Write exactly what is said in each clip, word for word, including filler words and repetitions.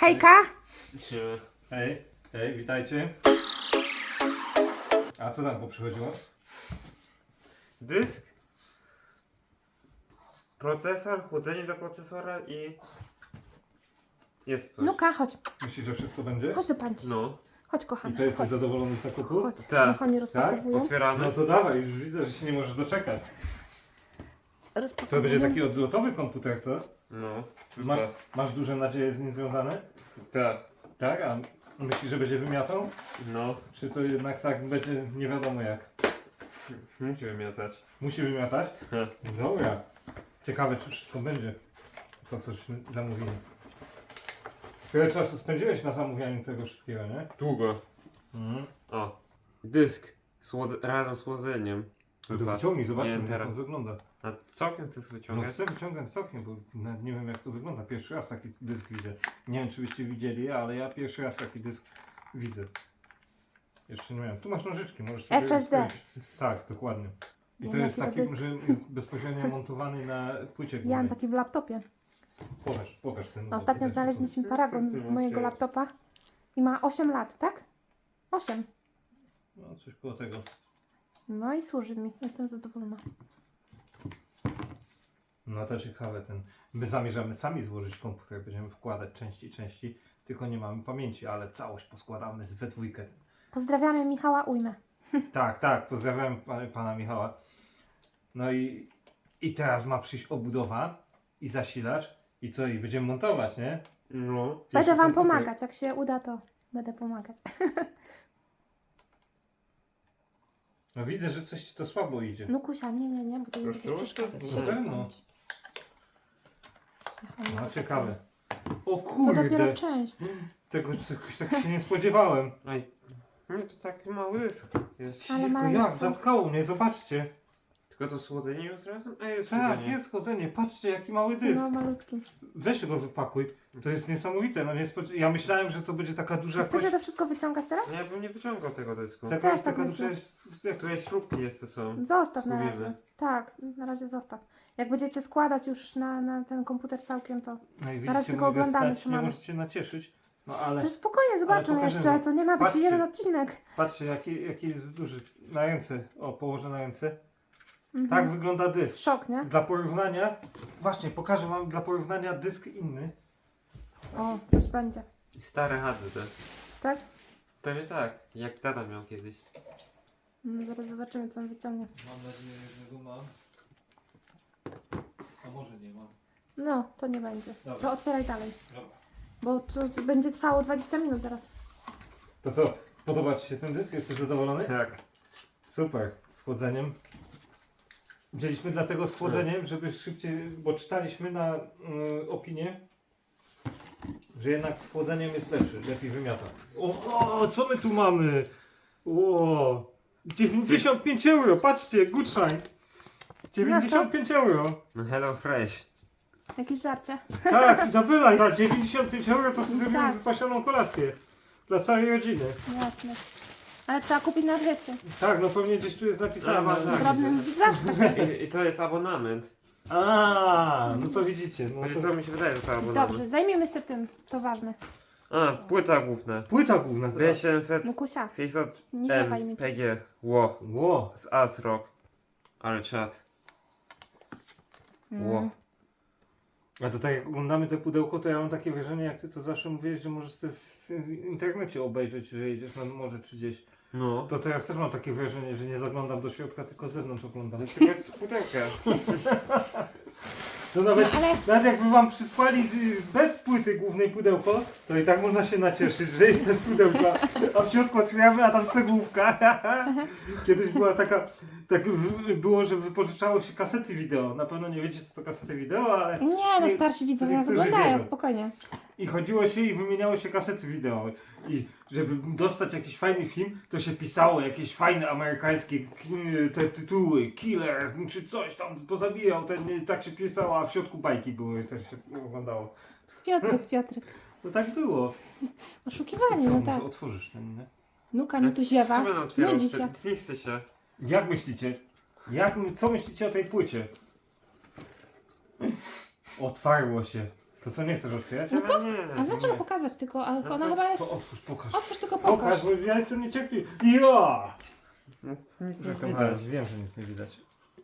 Hejka! Siema. Hej, hej, witajcie. A co tam poprzychodziło? Dysk, procesor, chłodzenie do procesora i jest coś. Nuka, chodź. Myślisz, że wszystko będzie? Chodź do pańci. No, Chodź, I kochany. co, jesteś Chodź. zadowolony z zakupu? Chodź. Tak. Niech oni rozpakowują. otwieramy. No to dawaj, już widzę, że się nie możesz doczekać. To Rozpakowują. będzie taki odlotowy komputer, co? No, Ma, masz... masz duże nadzieje z nim związane? Tak. Tak? A myślisz, że będzie wymiatał? No, Czy to jednak tak będzie nie wiadomo jak? musi wymiatać. Musi wymiatać? Ha. Dobra. Ciekawe, czy wszystko będzie. To, cośmy zamówili. Tyle czasu spędziłeś na zamówianiu tego wszystkiego, nie? Długo. Mhm. O, dysk Słod... razem z chłodzeniem. No to Wypadł. wyciągnij, Nie zobaczmy wiem jak teraz. on wygląda. A całkiem chcesz No wyciągać? chcę wyciągać całkiem, bo nawet nie wiem jak to wygląda. Pierwszy raz taki dysk widzę. Nie wiem czy byście widzieli, ale ja pierwszy raz taki dysk widzę. Jeszcze nie miałem. Tu masz nożyczki, możesz sobie... S S D. rozkroić. Tak, dokładnie. I Ja to mam jest taki taki, dysk. że jest bezpośrednio montowany na płycie Ja mam głównej. taki w laptopie. Pokaż, pokaż ten. A ostatnio znaleźliśmy paragon z mojego laptopa i ma osiem lat, tak? osiem. No coś koło tego. No i służy mi. Jestem zadowolona. No to ciekawe ten. My zamierzamy sami złożyć komputer, będziemy wkładać części, części, tylko nie mamy pamięci, ale całość poskładamy we dwójkę. Pozdrawiamy Michała Ujmę. Tak, tak, pozdrawiam pana, pana Michała. No i, i teraz ma przyjść obudowa i zasilacz i co, i będziemy montować, nie? No. Będę Pierwszy wam komputer. pomagać. Jak się uda, to będę pomagać. No widzę, że coś ci to słabo idzie. Nukusia, nie, nie, nie, bo to nie Proszę, będzie przeszkadzać. proszę. Na pewno. Niech oni No to ciekawe. O To dopiero kurde, część. tego czegoś tak się nie spodziewałem. Aj. No to taki mały dysk jest. Ale Tylko maleństwo. jak, zatkało mnie, zobaczcie. Tylko to słodzenie jest razem? A jest Tak, chłodzenie. jest chodzenie, patrzcie jaki mały dysk. No, malutki. Weź go wypakuj, to jest niesamowite. No nie spod... Ja myślałem, że to będzie taka duża Chcecie kość. to wszystko wyciągać teraz? No ja bym nie wyciągał tego dysku. Taka, Też tak taka myślę. duża jest, jak... Tu jest śrubki jeszcze są. Zostaw na Zgubimy. razie. Tak, na razie zostaw. Jak będziecie składać już na, na ten komputer całkiem, to... No i Na razie widzicie, tylko mówię, oglądamy, stać, co nie mamy. możecie nacieszyć. No ale Przecież spokojnie zobaczą pokażemy. jeszcze, to nie ma być Patrzcie. jeden odcinek. patrzcie jaki, jaki jest duży. Na ręce, o położę na ręce. Mhm. Tak wygląda dysk. Szok, nie? Dla porównania, właśnie pokażę wam dla porównania dysk inny. O, coś będzie. I stare H D D. Tak? Pewnie tak, jak tata miał kiedyś. No, zaraz zobaczymy, co on wyciągnie. Mam nadzieję, że go mam. A może nie mam. No, to nie będzie. Dobra. To otwieraj dalej. Dobra. Bo to, to będzie trwało dwadzieścia minut zaraz. To co, podoba ci się ten dysk? Jesteś zadowolony? Tak. Super, z chłodzeniem. Wzięliśmy dlatego z chłodzeniem, żeby szybciej, bo czytaliśmy na y, opinię, że jednak z chłodzeniem jest lepszy, lepiej wymiata. O, o, co my tu mamy? O, dziewięćdziesiąt pięć euro, patrzcie, Gutschein. dziewięćdziesiąt pięć euro. No Hello Fresh. Jakieś żarcie? Tak, Izabela, na dziewięćdziesiąt pięć euro to sobie zrobimy Tak. wypasioną kolację. Dla całej rodziny. Jasne. Ale trzeba kupić na dwieście. Tak, no pewnie gdzieś tu jest napisane. Ale tak. Drobnym zawsze tak jest. I, I to jest abonament. A, no to widzicie. No Znaczy, to... to mi się wydaje, że to abonament. Dobrze, zajmijmy się tym, co ważne. A, płyta główna. Płyta główna. B siedemset Nukusia, sześćset nie ziewaj mi. M P G. Ło. Ło. Z ASRock. Ale czad. Ło. Mm. A to tak jak oglądamy te pudełko, to ja mam takie wrażenie, jak ty to zawsze mówisz, że możesz sobie w internecie obejrzeć, że jedziesz na morze czy gdzieś. No. To teraz też mam takie wrażenie, że nie zaglądam do środka, tylko z zewnątrz oglądam. No tylko pudełka. To nawet, No, ale- nawet jakby wam przysłali y, bez płyty głównej pudełko, to i tak można się nacieszyć, że jest bez pudełka. A w środku otwieramy, a tam cegłówka. Kiedyś była taka, tak w- było, że wypożyczało się kasety wideo. Na pewno nie wiecie, co to kasety wideo, ale... Nie, no Nie, starsi widzowie nas niektórzy oglądają, wiedzą. spokojnie. I chodziło się i wymieniało się kasety wideo. I żeby dostać jakiś fajny film, to się pisało jakieś fajne amerykańskie k- te tytuły, killer, czy coś tam pozabijał, ten, tak się pisało, a w środku bajki były, też się oglądało. Piotrek, Piotrek. No tak było. Oszukiwanie, Co, no może tak. otworzysz ten, nie? Nuka mi tu ziewa. Co będę otwierał? Nudzi się. Tliszczy się. Jak myślicie? Jak, co myślicie o tej płycie? Otwarło się. To co, nie chcesz otwierać? No Ale nie, A dlaczego nie. pokazać tylko? A No ona to- chyba jest... To otwórz, pokaż. Otwórz tylko pokaż. Pokaż, bo ja jestem niecierpliwy. Ja! No, nic nie Żartowałem, widać. wiem, że nic nie widać.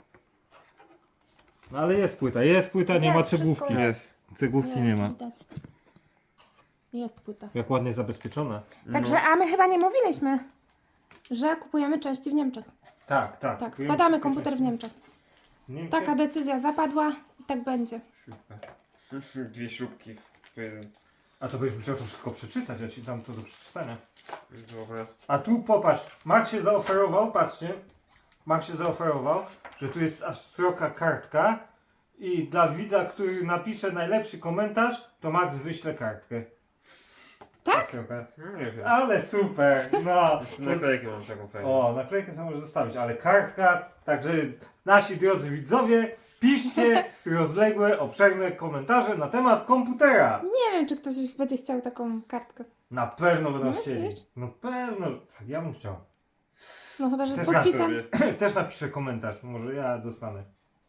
No ale jest płyta, jest płyta, nie ma Jest, wszystko cegłówki. Jest. Cegłówki nie ma. Widać. Jest płyta. Jak ładnie zabezpieczona. Także, a my chyba nie mówiliśmy, że kupujemy części w Niemczech. Tak, tak. Tak, kupujemy składamy wszystkie komputer w części. Niemczech. Niemcy? Taka decyzja zapadła i tak będzie. Super. Dwie śrubki w jeden. A to byś musiał to wszystko przeczytać, ja ci dam to do przeczytania. Dobra. A tu popatrz, Max się zaoferował, patrzcie. Max się zaoferował, że tu jest aż sroka kartka i dla widza, który napisze najlepszy komentarz, to Max wyśle kartkę. Tak? Sroka. No, nie wiem. Ale super, no. Jeszcze naklejkę mam taką fajną. O, naklejkę sobie możesz zostawić, ale kartka, także nasi drodzy widzowie, piszcie rozległe, obszerne komentarze na temat komputera. Nie wiem, czy ktoś będzie chciał taką kartkę. Na pewno będą Myślisz? chcieli. No pewno, że- tak, ja bym chciał. No chyba, że z Też podpisem. Sobie. Też napiszę komentarz, może ja dostanę.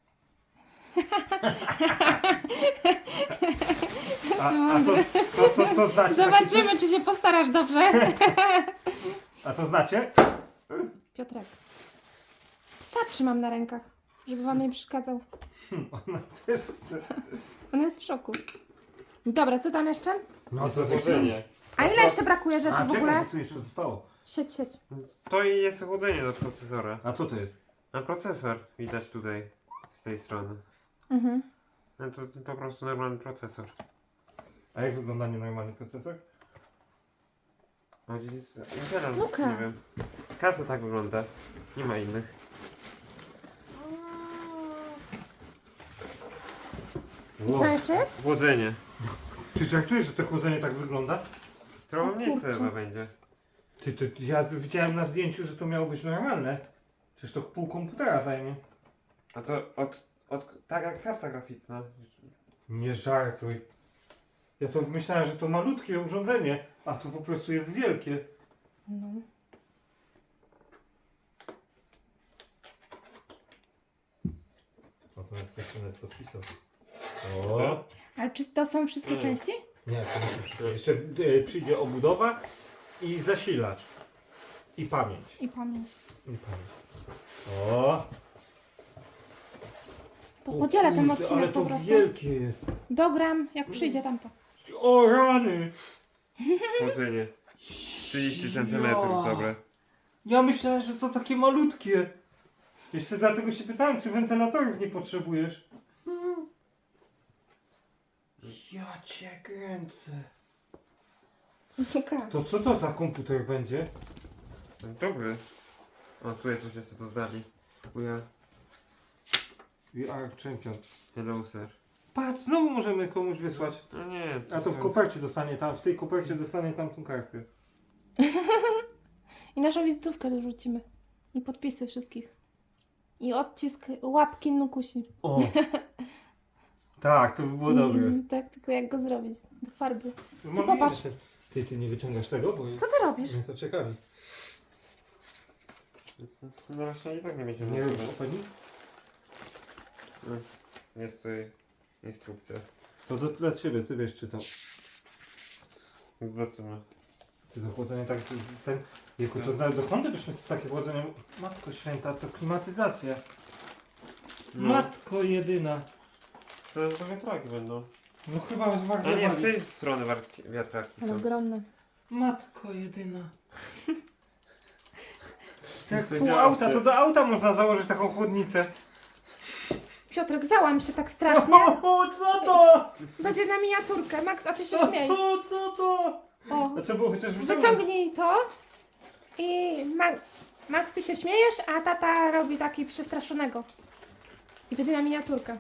A, a to, to, to, to znacie? Zobaczymy, czy się postarasz dobrze. A to znacie? Piotrek. Psa trzymam na rękach, żeby wam nie przeszkadzał. Ona też chce. Ona jest w szoku. Dobra, co tam jeszcze? No to chłodzenie. A ile jeszcze brakuje rzeczy A w czekaj, ogóle? bo co jeszcze zostało? Sieć, sieć. To i jest chłodzenie do procesora. A co to jest? A procesor widać tutaj, z tej strony. Mhm. No to po prostu normalny procesor. A jak wygląda nienormalny procesor? No gdzieś Intela, Luka. nie wiem. Kasa tak wygląda. Nie ma innych. I co jeszcze jest? Chłodzenie. Ty żartujesz, że to chłodzenie tak wygląda? Trochę O mniej kurczę. chyba będzie. Ty, ty, ja widziałem na zdjęciu, że to miało być normalne. Przecież to pół komputera zajmie. A to od, od tak jak karta graficzna. Nie żartuj. Ja to myślałem, że to malutkie urządzenie, a to po prostu jest wielkie. No. O, to jak ktoś nawet podpisał. O! Ale czy to są wszystkie Nie. części? Nie, to nie wszystko. Jeszcze e, przyjdzie obudowa i zasilacz. I pamięć. I pamięć. I pamięć. O! To O podzielę ten kurde, odcinek ale po to prostu. wielkie jest. Dogram, jak przyjdzie tamto. O rany! Chłodzenie. trzydzieści centymetrów, Ja. dobre. Ja myślałem, że to takie malutkie. Jeszcze dlatego się pytałem, czy wentylatorów nie potrzebujesz. Ja cię kręcę. Luka. To co to za komputer będzie? Dobry. O, tutaj coś jeszcze dodali. Uja. We are champion. Hello, sir. Patrz, znowu możemy komuś wysłać. No nie. A to w kopercie dostanie tam, w tej kopercie dostanie tamtą kartkę. I naszą wizytówkę dorzucimy. I podpisy wszystkich. I odcisk łapki Nukusi. O! Tak, to by było dobre. Mm, tak, tylko jak go zrobić? Do farby. Mamy popatrz. jeszcze- Ty, ty nie wyciągasz tego, bo Co ty robisz? mnie to ciekawi. No właśnie i tak nie będzie Nie nic. rób opening? Jest tutaj instrukcja. To do, dla ciebie, ty wiesz czytał. Zobaczymy. Ty to chłodzenie tak, ten, jako to na, dokąd byśmy z takie chłodzenie... Matko święta, to klimatyzacja. No. Matko jedyna. To to wiatraki będą. No chyba A nie, z zwariowali. tej strony warki- wiatraki Ale są. ogromne. Matko jedyna. Tak, Coś pół ja auta, się- to do auta można założyć taką chłodnicę. Piotrek, załam się tak strasznie. O, co to? Będzie na miniaturkę. Max, a ty się śmiej. O, co to? O. A trzeba było chociaż wyciągnąć. Wyciągnij to. I Ma Max, ty się śmiejesz, a tata robi taki przestraszonego. I będzie na miniaturkę.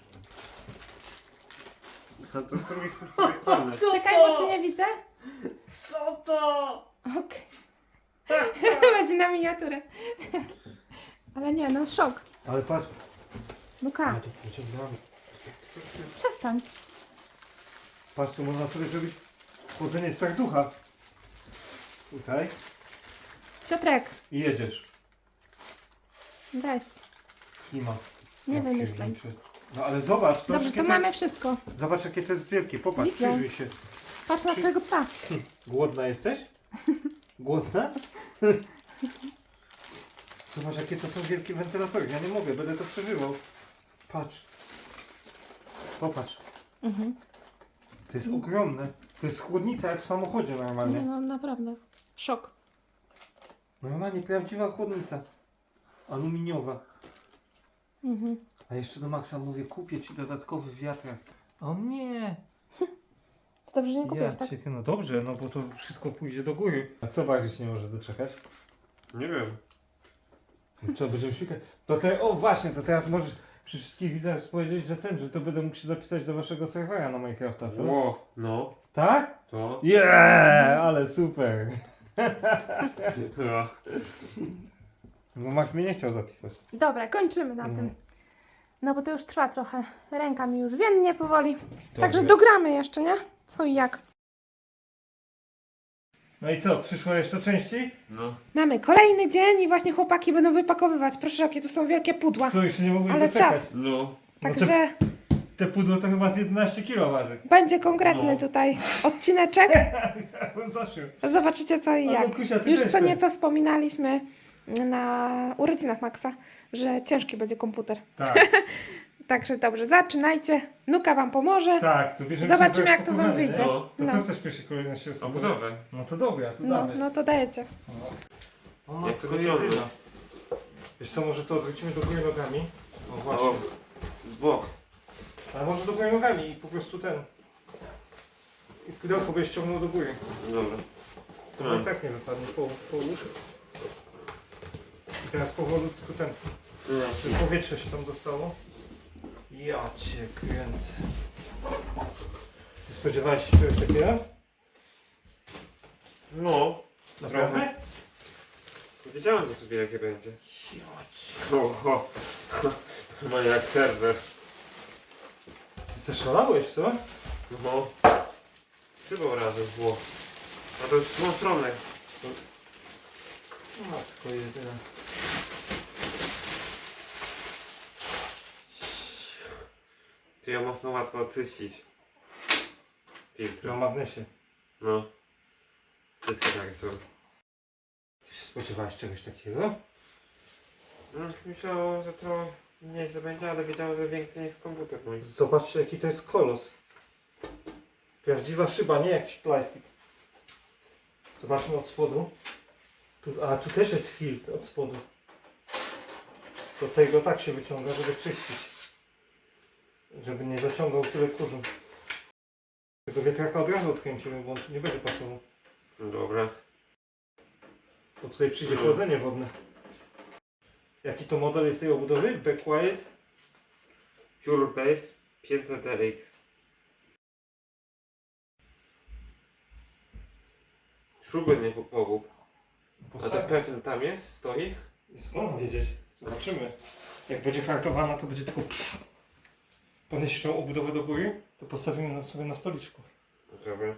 A to z drugiej str- z drugiej strony. Czekaj, bo cię nie widzę. Co to? Okej. Będzie na miniaturę. Ale nie, no szok. Ale patrz. Luka, to wyciągnąłem. przestań. Patrz, tu można sobie zrobić chłodzenie serducha. Tutaj. Piotrek, I jedziesz. weź. Klima. Nie Ja wymyślaj. pierniczę. No ale zobacz, zobacz Dobrze, jakie to to mamy jest, wszystko. zobacz jakie to jest wielkie, popatrz, Widzę. przyjrzyj się. Patrz na twojego psa. Głodna jesteś? Głodna? Zobacz jakie to są wielkie wentylatory, ja nie mogę, będę to przeżywał. Patrz. Popatrz. Mhm. To jest ogromne. To jest chłodnica jak w samochodzie Nie normalnie. no, naprawdę. Szok. Normalnie prawdziwa chłodnica. Aluminiowa. Mhm. A jeszcze do Maxa mówię, kupię ci dodatkowy wiatrak. O nie! To dobrze, że nie kupiłeś, Ja tak? cię, no dobrze, no bo to wszystko pójdzie do góry. A kto bardziej się nie może doczekać? Nie wiem. No co, będziemy świkać? To te, o właśnie, to teraz możesz przy wszystkich widzach powiedzieć, że ten, że to będę mógł się zapisać do waszego serwera na Minecrafta, co? Ło, no, Tak? to. Yeah, ale super. Ja. No Max mnie nie chciał zapisać. Dobra, kończymy na Mhm. tym. No bo to już trwa trochę. Ręka mi już więdnie powoli. Także Dobrze. dogramy jeszcze, nie? Co i jak. No i co, przyszło jeszcze części? No. Mamy kolejny dzień i właśnie chłopaki będą wypakowywać. Proszę, jakie tu są wielkie pudła. Co, jeszcze nie mogłem Ale doczekać. No. No Także te, te pudło to chyba z jedenaście kilo waży. będzie konkretny No. tutaj odcineczek. Zaszył. Zobaczycie co i Ale jak. Kusia, ty Już też co ten. nieco wspominaliśmy na urodzinach Maxa, że ciężki będzie komputer. Tak, Także dobrze, zaczynajcie. Nuka wam pomoże. tak, to bierzemy Zobaczymy, się za jak to wam rozpakowanie, wyjdzie. nie? No. To No. co chcesz w pierwszej kolejności A rozpakować? budowę. No to dobra, to No, damy. no to dajecie. O, Jak to matko wyciągnąć? jedyna. Wiesz co, może to odwrócimy do góry nogami? O właśnie. O, z bok. Ale może do góry nogami i po prostu ten. I pudełko byś ściągnął do góry. Dobra. To Hmm. i tak nie wypadnie, po, połóż. I teraz powolutku ten, Nie. żeby powietrze się tam dostało. Ja cię kręcę. Ty spodziewałeś się czegoś takiego? No. Naprawdę? Wiedziałem, że tu wielkie będzie. Ja cię. Oho. No jak serwer. Ty zaszalałeś, co? No. Sypał razem było. A to już w tą stronę. Matko jedyna. To ją mocno łatwo oczyścić. Filtr. Na magnesie. No. Wszystkie takie są. Ty się spodziewałeś czegoś takiego? No, myślałem, że to mniej się będzie, ale wiedziałem, że więcej niż komputer mój. Zobaczcie jaki to jest kolos. Prawdziwa szyba, nie jakiś plastik. Zobaczmy od spodu. Tu, a tu też jest filtr od spodu. Do tego tak się wyciąga, żeby czyścić. Żeby nie zaciągał tyle kurzu. Tego wiatraka od razu odkręcimy, bo on tu nie będzie pasował. Dobra. Bo tutaj przyjdzie Mhm. chłodzenie wodne. Jaki to model jest tej obudowy? Back Quiet? Pure Base pięćset D X. Śruby nie pogub. A to pewnie tam jest? Stoi? Skąd mam wiedzieć? Zobaczymy. Jak będzie hartowana, to będzie tylko... Podnieść tą obudowę do góry, to postawimy na sobie na stoliczku. Dobra.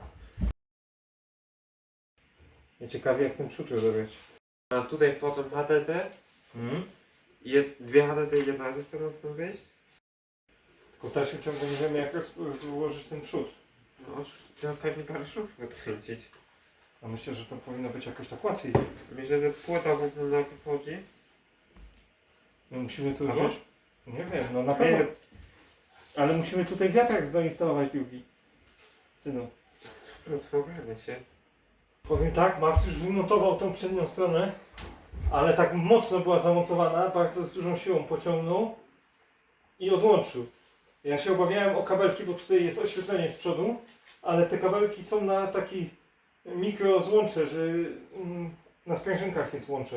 Ja ciekawie jak ten przód rozebrać. A tutaj wchodzą H D D. Mhm. Jed, dwie H D D i jedna ze strony stąd wyjść. Tylko w dalszym ciągu nie wiemy jak roz- rozłożyć ten przód. No już trzeba pewnie parę szów wykręcić. A myślę, że to powinno być jakoś tak łatwiej. Myślę, że płyta główna najpierw wchodzi. My musimy tu Albo? wziąć... Nie wiem, no na pewno. Ale musimy tutaj wiatrak zainstalować drugi. Synu. No to ogarnia się. Powiem tak, Max już wymontował tą przednią stronę, ale tak mocno była zamontowana, bardzo z dużą siłą pociągnął i odłączył. Ja się obawiałem o kabelki, bo tutaj jest oświetlenie z przodu, ale te kabelki są na taki mikro złącze, że mm, na sprężynkach jest łącze.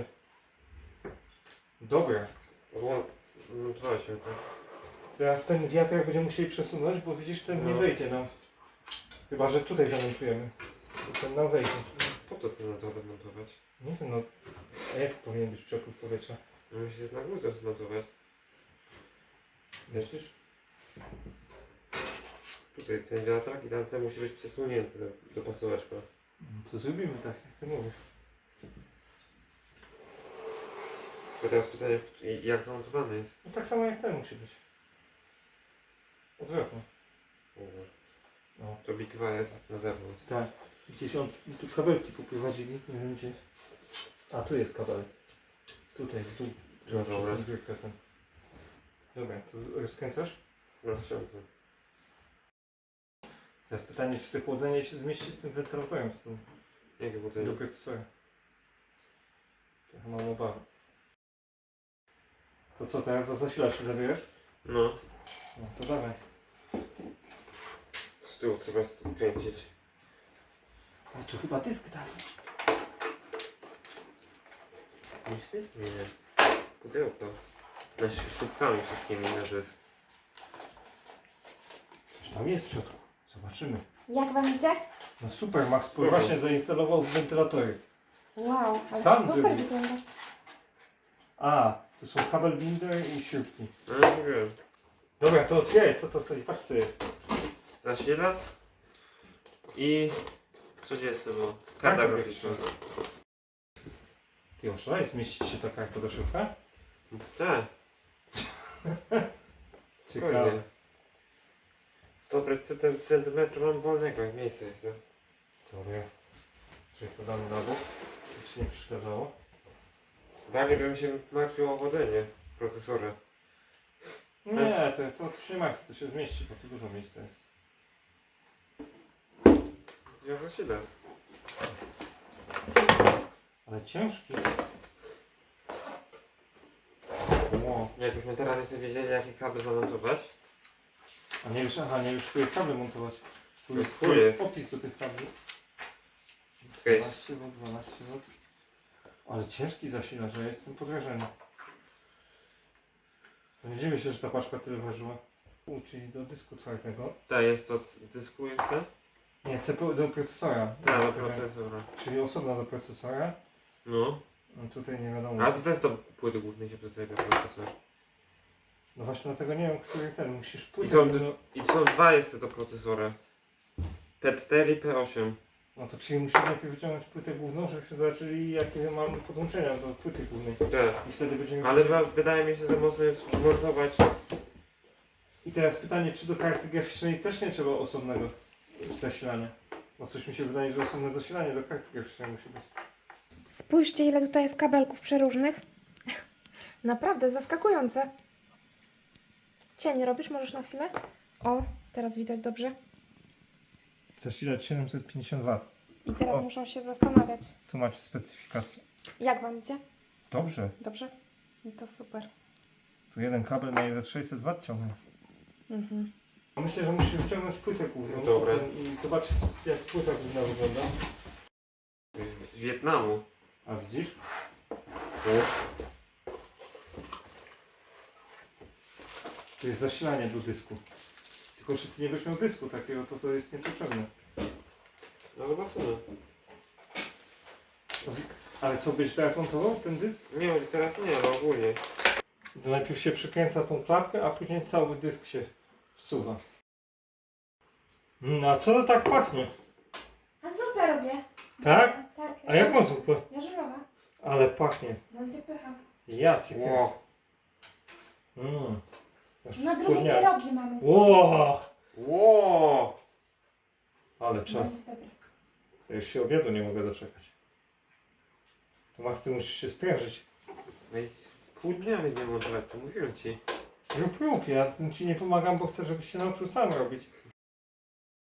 Dobra. Odło- No to się tak. Teraz ten wiatrak będziemy musieli przesunąć, bo widzisz, ten nie No. wejdzie nam. Chyba, że tutaj zamontujemy. To ten nam wejdzie. Po co to na dole montować? Nie wiem, no. A jak powinien być przepływ powietrza? No musi się na górze zmontować. Myślisz? Tutaj ten wiatrak i tamten musi być przesunięty do, do pasołeczka. No to zrobimy tak, jak ty mówisz. To teraz pytanie, w- jak zamontowany jest? No tak samo jak ten musi być. Odwrotnie. No, to Big dwa jest na zewnątrz. Tak. Gdzieś on, tu kabelki poprowadzili, nie wiem gdzie. A, tu jest kabelek. Tutaj, tu. Trzeba Dobra. przez tą dziurkę ten. Dobra, to rozkręcasz? Rozszerzy. Teraz pytanie, czy to chłodzenie się zmieści z tym wentylatorem, z tym Jakie budzenie? do procesora. Trochę mam obawy. To co, teraz za zasilacz się zabierasz? No. No to dawaj. Z tyłu trzeba odkręcić. No tu chyba dysk dalej. Myślisz? Nie. Pudełko. Na szybkami wszystkimi na dysk. Coś tam jest w środku. Zobaczymy. Jak wam idzie? No super, Max Spoko. właśnie zainstalował wentylatory. Wow, ale Sam super zrobił. wygląda. A, to są kabel binder i śrubki. No nie wiem. Dobra, to otwieraj, co to stoi? Patrz co jest. Zasilacz i co dzieje sobie? Karta Karta graficzna. Ty oszalałeś, zmieści się ta karta do środka? Tak, Ciekawe. spokojnie. sto centymetrów mam wolnego, jak miejsce jest. no. Dobra. Czyli to damy na bok, żeby się nie przeszkadzało. Bardziej bym się martwił o chodzenie procesora. Nie, to, to, to się nie martw, to się zmieści, bo tu dużo miejsca jest. Ja zasilacz. Ale ciężki. Ło. Jakbyśmy teraz jeszcze wiedzieli, jakie kable zamontować. A nie już, aha, nie już które kable montować. Tu No, jest, tu jest. opis do tych kabli. Okej. dwanaście wolt, dwanaście wolt. Ale ciężki zasilacz, że ja jestem pod wrażeniem. No nie dziwię się, że ta paczka tyle ważyła. U, czyli do dysku twardego. Tak, jest to c- dysku jest ten? Nie, C P U do procesora. Tak, do procesora. Czyli osobno do procesora. No. No tutaj nie wiadomo. A to też do płyty głównej się przedstawia procesor. No właśnie dlatego nie wiem, który ten. Musisz I płytę. są, do- I są dwa jeszcze do procesora. P cztery i P osiem. No to czyli musisz najpierw wyciągnąć płytę główną, żebyśmy zobaczyli jakie mamy podłączenia do płyty głównej. Tak. I wtedy będziemy Ale wiedzieli. chyba wydaje mi się, że można jest zmontować. I teraz pytanie, czy do karty graficznej też nie trzeba osobnego zasilania? Bo coś mi się wydaje, że osobne zasilanie do karty graficznej musi być. Spójrzcie, ile tutaj jest kabelków przeróżnych. Naprawdę zaskakujące. Cień robisz? Możesz na chwilę? O, teraz widać dobrze. Zasilacz siedemset pięćdziesiąt watów. I teraz O. muszą się zastanawiać. Tu macie specyfikację. Jak wam idzie? Dobrze. Dobrze? No to super. Tu jeden kabel na ile sześćset watów ciągnie. Mhm. Myślę, że musisz wyciągnąć płytę główną. Dobra. I zobaczyć jak płyta główna wygląda. Z Wietnamu. A widzisz? To jest zasilanie do dysku. Tylko, że ty nie będziesz miał dysku takiego, to to jest niepotrzebne. No zobaczymy. Ale co, byś teraz montował ten dysk? Nie, teraz nie, ale ogólnie. To najpierw się przykręca tą klapkę, a później cały dysk się wsuwa. No a co to tak pachnie? A zupę robię. Tak? Tak. A jaką zupę? Jarzynowa. Ale pachnie. Będzie pycha. Ja cię kręcę. Ło. Mm. Aż Na drugie schudniałem. pierogi mamy. Ło! Ło! Ale czas. Będzie dobre. Ja już się obiadu nie mogę doczekać. To Max, ty musisz się sprężyć. No i pół dnia będziemy montować, to mówiłem ci. Rób, rób, ja ci nie pomagam, bo chcę, żebyś się nauczył sam robić.